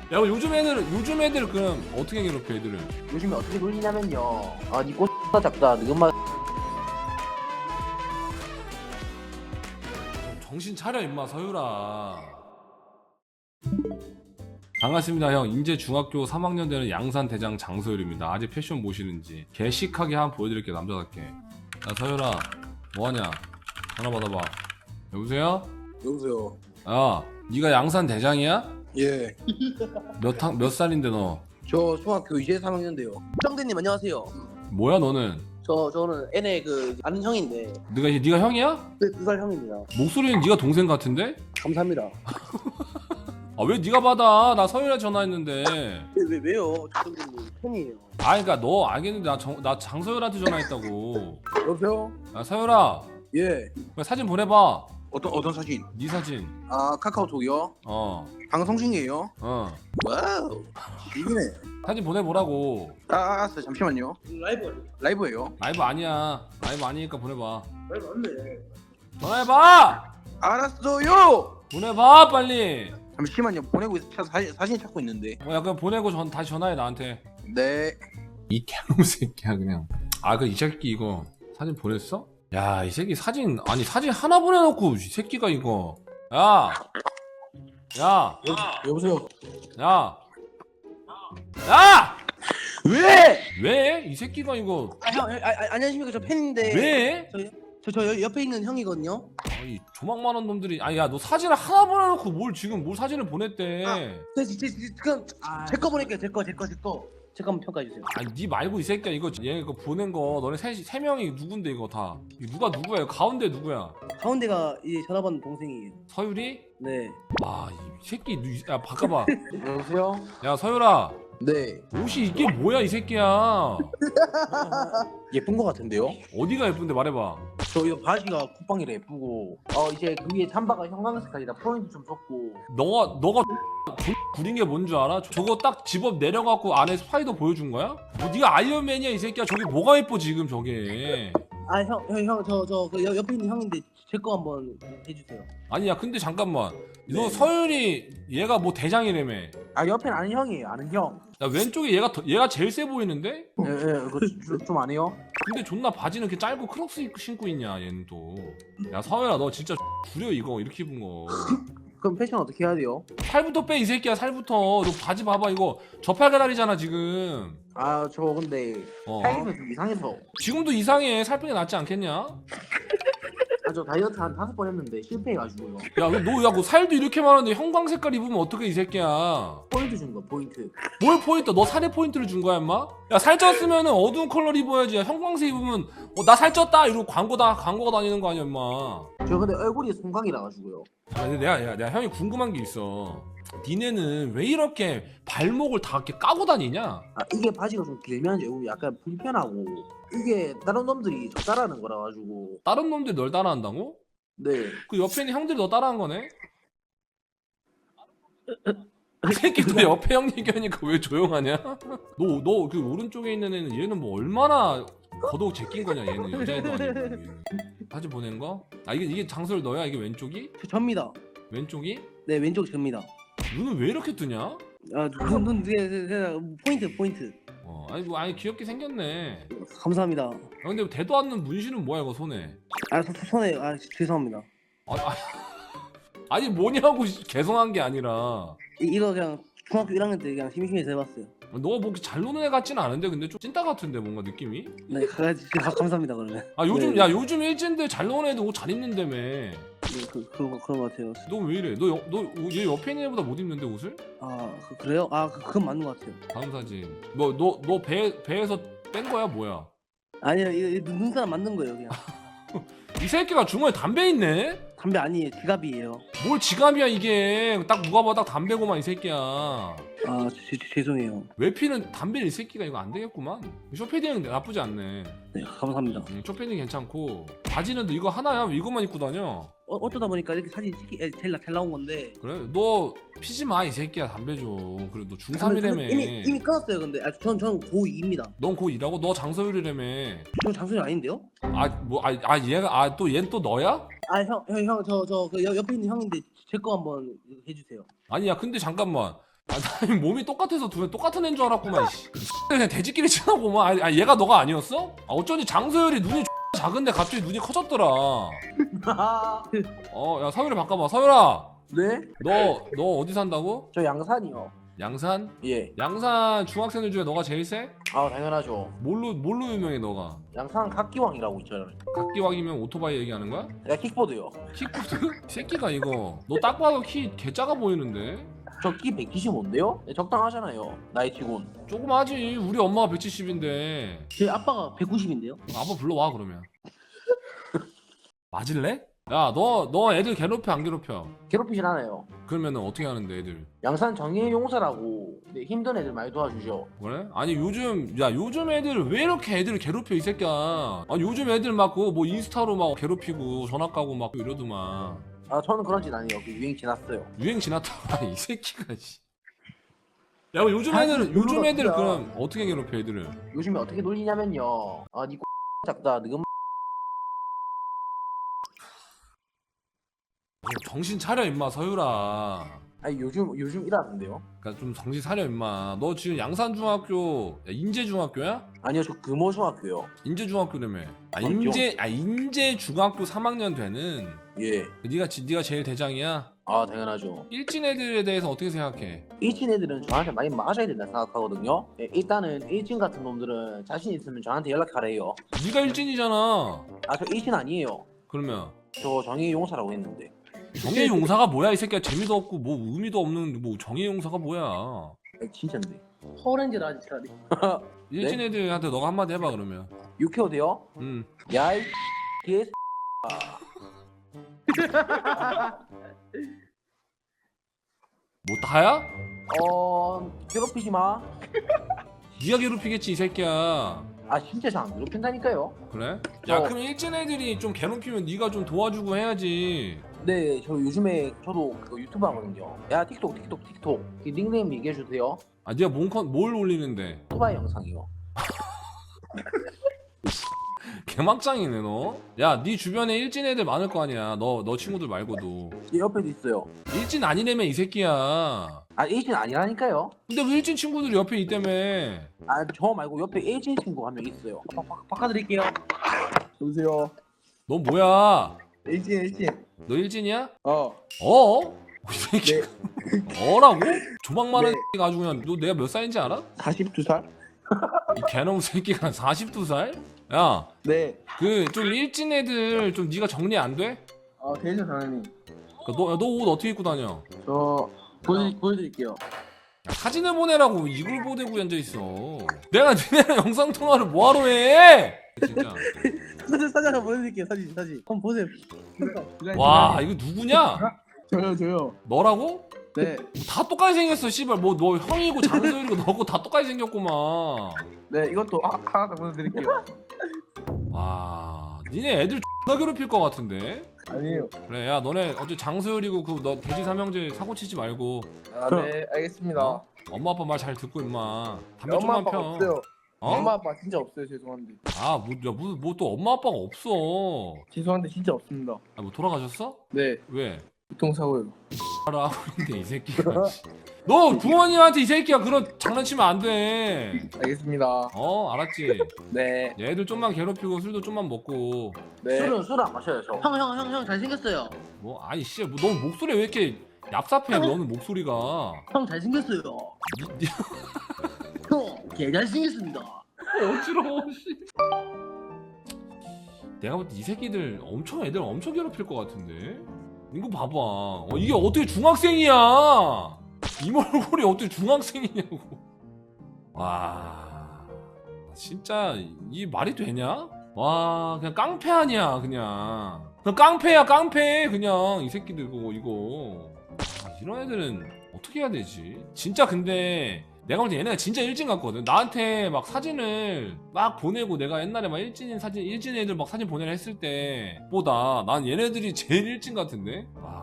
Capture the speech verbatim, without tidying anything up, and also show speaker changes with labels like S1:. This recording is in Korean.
S1: 야 요즘 애들 요즘 애들 그럼 어떻게 괴롭혀 애들을?
S2: 요즘에 어떻게 놀리냐면요. 아, 니 꽃 작다. 니 엄마
S1: 좀 정신 차려 임마 서유라. 반갑습니다 형. 인제 중학교 삼 학년 되는 양산 대장 장서율입니다. 아직 패션 보시는지 개식하게 한번 보여드릴게요 남자답게. 야 서유라 뭐하냐? 전화 받아봐. 여보세요?
S3: 여보세요.
S1: 야 니가 양산 대장이야?
S3: 예.
S1: 몇, 학, 몇 살인데 너?
S3: 저 중학교 이제 삼 학년인데요.
S2: 정대님 안녕하세요.
S1: 뭐야 너는?
S2: 저 저는 N의 그 아는 형인데
S1: 네가 이제 네가 형이야?
S2: 두 살 형입니다.
S1: 목소리는 네가 동생 같은데?
S2: 감사합니다.
S1: 아 왜 네가 받아? 나 서유라 전화했는데.
S2: 왜, 왜 왜요? 정대님 팬이에요.
S1: 아 그니까 너 알겠는데 나, 정, 나 장서율한테 전화했다고.
S3: 여보세요.
S1: 야 서유라
S3: 예.
S1: 그래, 사진 보내봐.
S3: 어떤 어떤 사진?
S1: 네 사진.
S3: 아 카카오톡이요.
S1: 어
S3: 방송 중이에요.
S1: 어.
S3: 와우. 이기네.
S1: 사진 보내보라고.
S3: 아 알았어요. 잠시만요.
S2: 라이브
S3: 라이브예요.
S1: 라이브 아니야. 라이브 아니니까 보내봐.
S2: 라이브 맞네.
S1: 전화해봐.
S3: 알았어요.
S1: 보내봐 빨리.
S3: 잠시만요. 보내고 있, 사진, 사진 찾고 있는데.
S1: 어, 약간 보내고 전 다시 전화해 나한테.
S3: 네.
S1: 이 개놈 새끼야 그냥. 아 그 이 새끼 이거 사진 보냈어? 야 이 새끼 사진 아니 사진 하나 보내놓고 이 새끼가 이거. 야. 야.
S3: 여보세요.
S1: 야. 야.
S3: 왜?
S1: 왜? 이 새끼가 이거
S2: 아, 형, 아, 아, 안녕하십니까? 저 팬인데.
S1: 왜?
S2: 저, 저, 저 옆에 있는 형이거든요.
S1: 아이 조망 많은 놈들이 아니 야 너 사진을 하나 보내놓고 뭘 지금 뭘 사진을 보냈대.
S2: 네, 제, 제, 제, 그럼 제 거 보낼게요. 제 거, 제 거, 제 거. 제 거 한번 평가해 주세요.
S1: 아니 니 말고 이 새끼야 이거 얘 이거 보낸 거 너네 세, 세 명이 누군데 이거 다 이거 누가 누구야 이거 가운데 누구야?
S2: 가운데가 이제 전화 받는 동생이에요.
S1: 서율이?
S2: 네.
S1: 아 이 새끼 누- 야 바꿔봐.
S3: 여보세요.
S1: 야 서율아
S3: 네.
S1: 옷이 이게 뭐야 이 새끼야.
S3: 예쁜 거 같은데요?
S1: 어디가 예쁜데 말해봐.
S2: 저 이거 바지가 쿠팡이라 예쁘고 어 이제 그 위에 잠바가 형광색깔이라 포인트 좀 줬고
S1: 너가 너가 구린 게 뭔 줄 알아? 저거 딱 집업 내려갖고 안에 스파이더 보여준 거야? 뭐 네가 아이언맨이야 이 새끼야. 저게 뭐가 예뻐 지금 저게.
S2: 아 형 형 형 저 저 그 옆에 있는 형인데 제 거 한번 해주세요.
S1: 아니야 근데 잠깐만 너
S3: 네.
S1: 서율이 얘가 뭐 대장이라며.
S2: 아 옆에는 아는 형이에요. 아는 형.
S1: 야 왼쪽에 얘가 더, 얘가 제일 세 보이는데?
S2: 예예 그거 좀 안 해요?
S1: 근데 존나 바지는 이렇게 짧고 크록스 입고 신고 있냐 얘는 또. 야 서율아 너 진짜 구려 이거 이렇게 입은 거.
S2: 그럼 패션 어떻게 해야 돼요?
S1: 살부터 빼 이 새끼야 살부터. 너 바지 봐봐 이거 저팔계다리잖아 지금.
S2: 아 저 근데
S1: 어.
S2: 살림이 좀 이상해서
S1: 지금도 이상해. 살 빼는 게 낫지 않겠냐?
S2: 아 저 다이어트 한 다섯 번 했는데 실패해가지고요.
S1: 야너야 그 살도 이렇게 많은데 형광 색깔 입으면 어떡해 이 새끼야.
S2: 포인트 준 거 포인트.
S1: 뭘 포인트? 너 살에 포인트를 준 거야 임마? 야 살쪘으면은 어두운 컬러 입어야지. 야, 형광색 입으면 어, 나 살쪘다 이러고 광고다 광고가 다니는 거 아니야 임마.
S2: 저 근데 얼굴이 송강이라 가지고요.
S1: 아, 근데 내가, 야, 내가 형이 궁금한 게 있어. 니네는 왜 이렇게 발목을 다 이렇게 까고 다니냐?
S2: 아 이게 바지가 좀 길면 좀 약간 불편하고 이게 다른 놈들이 저 따라하는 거라 가지고
S1: 다른 놈들이 널 따라한다고?
S2: 네.
S1: 그 옆에 있는 형들이 너 따라한 거네? 이 새끼 너 옆에 형 얘기하니까 왜 조용하냐? 너, 너 그 오른쪽에 있는 애는 얘는 뭐 얼마나 겉옷 제낀 거냐 얘는 여자애도 아니고 얘는. 사진 보낸 거? 아 이게 이게 장소를 너야? 이게 왼쪽이?
S2: 저 접니다.
S1: 왼쪽이?
S2: 네 왼쪽 접니다.
S1: 눈은 왜 이렇게 뜨냐?
S2: 아눈눈 포인트 포인트.
S1: 어 아니 뭐 아니 귀엽게 생겼네.
S2: 감사합니다.
S1: 아, 근데 대도 않는 문신은 뭐야 이거 손에?
S2: 아 소- 손에 아 죄송합니다.
S1: 아, 아, 아니 뭐냐고 개성한 게 아니라
S2: 이, 이거 그냥 중학교 일 학년 때 그냥 심심해서 해봤어요.
S1: 너가 뭐 잘 노는 애 같진 않은데 근데 좀 찐따 같은데 뭔가 느낌이?
S2: 네 가, 가, 감사합니다 그러면.
S1: 아 요즘
S2: 네.
S1: 야 요즘 일진들 잘 노는 애들 옷 잘 입는다며.
S2: 네, 그 그런 거 그런 거 같아요.
S1: 너 왜 이래? 너 너 얘 옆에 있는 애보다 못 입는데 옷을?
S2: 아 그, 그래요? 아 그, 그건 맞는 것 같아요.
S1: 다음 사진. 뭐 너 너 배 배에서 뺀 거야 뭐야?
S2: 아니요 이거, 이거 눈사람 만든 거예요 그냥.
S1: 이 새끼가 주머니에 담배 있네?
S2: 담배 아니에요 지갑이에요.
S1: 뭘 지갑이야 이게? 딱 누가 봐도 딱 담배고만 이 새끼야.
S2: 아 제, 제, 죄송해요.
S1: 왜 피는 담배를 이 새끼가 이거 안 되겠구만. 쇼패딩은 나쁘지 않네.
S2: 네 감사합니다.
S1: 음, 쇼패딩 괜찮고 바지는 너 이거 하나야? 왜 이것만 입고 다녀?
S2: 어, 어쩌다 보니까 이렇게 사진 찍기 에, 제일, 나- 잘 나온 건데
S1: 그래? 너 피지 마 이 새끼야 담배 좀. 그래 너
S2: 저는-
S1: 중삼이라며.
S2: 저는 이미 이미 끊었어요 근데 아, 전, 전 고이입니다.
S1: 넌 고 일하고 너 장서율이라며.
S2: 저 장소이 아닌데요?
S1: 아 뭐 아 아 얘가 아 또 얘는 또 너야?
S2: 아 형 형 형 저 저 그 옆에 있는 형인데 제 거 한번 해주세요.
S1: 아니야 근데 잠깐만 아, 나 몸이 똑같아서 두 명 똑같은 애인 줄 알았구만. 씨. 그냥 돼지끼리 친하고만. 아, 얘가 너가 아니었어? 아, 어쩐지 장서열이 눈이 작은데 갑자기 눈이 커졌더라. 어, 야 서열이 바꿔봐. 서열아,
S2: 네?
S1: 너 너 어디 산다고?
S2: 저 양산이요.
S1: 양산?
S2: 예.
S1: 양산 중학생들 중에 너가 제일 세?
S2: 아 당연하죠.
S1: 뭘로 뭘로 유명해 너가?
S2: 양산 각기왕이라고 있잖아요.
S1: 각기왕이면 오토바이 얘기하는 거야?
S2: 야 킥보드요.
S1: 킥보드? 이 새끼가 이거. 너 딱 봐도 키 개 작아 보이는데?
S2: 저 키 백칠십오인데요? 네, 적당하잖아요. 나이 치곤.
S1: 조그마하지. 우리 엄마가 백칠십인데.
S2: 제 아빠가 백구십인데요?
S1: 아빠 불러와 그러면. 맞을래? 야, 너 너 애들 괴롭혀 안 괴롭혀?
S2: 괴롭히진 않아요.
S1: 그러면은 어떻게 하는데 애들?
S2: 양산 정예용사라고 네, 힘든 애들 많이 도와주죠.
S1: 그래? 아니 요즘 야 요즘 애들 왜 이렇게 애들을 괴롭혀 이 새끼야? 아니 요즘 애들 막 그 뭐 인스타로 막 괴롭히고 전화 까고 막 이러더만.
S2: 아 저는 그런 짓 아니에요. 그 유행 지났어요.
S1: 유행 지났다. 이 새끼가 씨. 야, 그럼 요즘 애들은 요즘 애들
S2: 진짜.
S1: 그럼 어떻게 괴롭혀 애들을?
S2: 요즘에 어떻게 놀리냐면요. 아니 작다. 너금
S1: 정신 차려 임마 서유라.
S2: 아니 요즘 요즘 일하는데요.
S1: 그러니까 좀 정신 차려 임마. 너 지금 양산중학교 야, 인제중학교야?
S2: 아니요 저 금호중학교요.
S1: 인제중학교라며. 아
S2: 맞죠?
S1: 인제 아 인제중학교 삼 학년 되는.
S2: 예.
S1: 네가 지- 네가 제일 대장이야.
S2: 아 당연하죠.
S1: 일진 애들에 대해서 어떻게 생각해?
S2: 일진 애들은 저한테 많이 맞아야 된다 생각하거든요. 예, 일단은 일진 같은 놈들은 자신 있으면 저한테 연락하래요.
S1: 네가 일진이잖아.
S2: 아 저 일진 아니에요.
S1: 그러면
S2: 저 정예용사라고 했는데.
S1: 정예용사가 뭐야 이 새끼야. 재미도 없고 뭐 의미도 없는 뭐 정예용사가 뭐야.
S2: 아, 진짜인데. 허렌즈라 진짜네.
S1: 일진 애들한테 너가 한마디 해봐 그러면.
S2: 육회오 돼요?
S1: 음.
S2: 야이 개
S1: 뭐 다야?
S2: 어 괴롭히지 마.
S1: 네가 괴롭히겠지 이 새끼야.
S2: 아 진짜 잘 안 괴롭힌다니까요.
S1: 그래? 야
S2: 어.
S1: 그럼 일진 애들이 좀 괴롭히면 네가 좀 도와주고 해야지.
S2: 네, 저 요즘에 저도 그거 유튜브 하거든요. 야 틱톡 틱톡 틱톡. 그 닉네임 얘기해 주세요.
S1: 아 네가 뭔컨 뭘 올리는데?
S2: 오토바이 영상이요.
S1: 개막장이네 너. 야 네 주변에 일진 애들 많을 거 아니야. 너 너 친구들 말고도.
S2: 제 옆에도 있어요.
S1: 일진 아니라며 이 새끼야.
S2: 아 일진 아니라니까요.
S1: 근데 왜 일진 친구들이 옆에 있다며?
S2: 아 저 말고 옆에 일진 친구 한 명 있어요. 바, 바, 바꿔드릴게요. 여보세요.
S1: 너 뭐야?
S2: 일진 일진.
S1: 너 일진이야?
S2: 어.
S1: 어? 이 새끼. 어라고? 조망 많은
S2: 네.
S1: 새끼가 아주 그냥 너 내가 몇 살인지 알아?
S2: 사십두 살?
S1: 이 개놈 새끼가 사십두 살? 야,
S2: 네.
S1: 그 좀 일진 애들 좀 네가 정리 안 돼?
S2: 아 되죠 당연히.
S1: 너 너 옷 어떻게 입고 다녀?
S2: 저 보여 보여드릴게요.
S1: 야, 사진을 보내라고 이걸 보내고 앉아 있어. 내가 니네랑 영상 통화를 뭐하러 해? 진짜.
S2: 사진 사진 하나 보여드릴게요. 사진 사진. 한번 보세요.
S1: 와 이거 누구냐?
S2: 저요 저요.
S1: 너라고?
S2: 네.
S1: 다 똑같이 생겼어 씨발. 뭐 너 형이고 장소이고 너고 다 똑같이 생겼구만.
S2: 네 이것도 하, 하나 더 보여드릴게요.
S1: 와 니네 애들 X나 괴롭힐 것 같은데?
S2: 아니에요.
S1: 그래 야 너네 어째 장소율이고 그 너 돼지 삼형제 사고 치지 말고
S2: 아 네 알겠습니다.
S1: 어? 엄마 아빠 말 잘 듣고 임마 담배
S2: 엄마
S1: 좀만
S2: 아빠
S1: 펴.
S2: 없어요.
S1: 어?
S2: 엄마 아빠 진짜 없어요. 죄송한데.
S1: 아뭐야뭐 또 엄마 아빠가 없어.
S2: 죄송한데 진짜 없습니다.
S1: 아, 뭐 돌아가셨어?
S2: 네.
S1: 왜?
S2: 교통사고요.
S1: 하라 하고 있는데 이 새끼가. 너 부모님한테 이 새끼야 그런 장난치면 안 돼.
S2: 알겠습니다.
S1: 어 알았지?
S2: 네.
S1: 얘들 좀만 괴롭히고 술도 좀만 먹고.
S2: 네. 술은 술 안 마셔요 저. 형 형 형 형 잘생겼어요.
S1: 뭐 아이 씨, 뭐 너 목소리 왜 이렇게 얍삽해? 너는 목소리가.
S2: 형 잘생겼어요.
S1: 니, 니,
S2: 형개 잘생겼습니다.
S1: 어지러워. 씨. 내가 볼 때 이 새끼들 엄청 애들 엄청 괴롭힐 것 같은데. 이거 봐봐. 어, 이게 어떻게 중학생이야? 이 얼굴이 어떻게 중학생이냐고. 와, 진짜 이 말이 되냐? 와, 그냥 깡패 아니야, 그냥. 그냥 깡패야, 깡패. 그냥 이 새끼들 그거 이거. 아, 이런 애들은 어떻게 해야 되지? 진짜 근데 내가 볼 때 얘네가 진짜 일진 같거든. 나한테 막 사진을 막 보내고 내가 옛날에 막 일진인 사진, 일진 애들 막 사진 보내라 했을 때보다 난 얘네들이 제일 일진 같은데? 와.